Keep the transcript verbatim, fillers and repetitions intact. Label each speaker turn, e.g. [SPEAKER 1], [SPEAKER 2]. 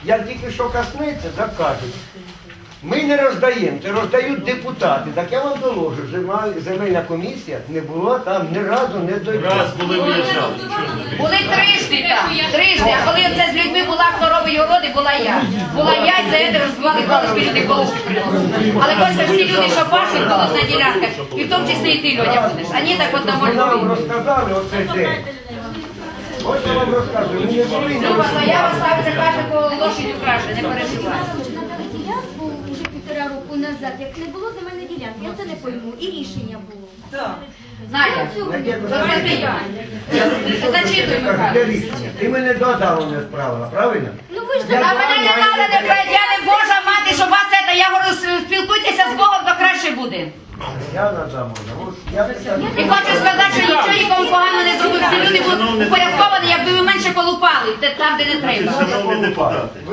[SPEAKER 1] як тільки що коснеться, так кажуть. Ми не роздаємо, це роздають депутати. Так я вам доложу, земель- земельна комісія не була там ні разу не дойшла.
[SPEAKER 2] Раз були виїжджали.
[SPEAKER 3] Були трижди там, трижди, а коли це з людьми була, хто робить городи, була я. Була я, і за це розвивали колишки, люди колишки приносили. Але хочеться всі люди, що пашуть, будуть на ділянках, і в тому числі і ти, Льоня, будеш. А ні, так от на
[SPEAKER 1] Ви нам
[SPEAKER 3] Львові.
[SPEAKER 1] розказали оцей день. Ось я вам розказую, ми не були не
[SPEAKER 3] Люба, заява ставиться, каже, кого лошадь украше, не переживай.
[SPEAKER 4] Надали ділянку вже півтора року назад, як не було земельної ділянки, я це не пойму. І рішення було.
[SPEAKER 3] Надя, то це ти я. Зачитуй,
[SPEAKER 1] Кажу, де
[SPEAKER 3] Михайло.
[SPEAKER 1] рішення? Ти мене додому не справила, правильно?
[SPEAKER 4] Ну ви ж
[SPEAKER 3] Та мене не треба, не пройти, я не Божа мати, щоб вас це, я говорю, спілкуйтеся з Богом, то краще буде.
[SPEAKER 1] Я надам. От я питаю.
[SPEAKER 3] І хочу сказати, що нічого нікому погано не зробив. Всі люди будуть упорядковані, якби ви менше колупали, де- там, де не треба.
[SPEAKER 2] Шановні депутати.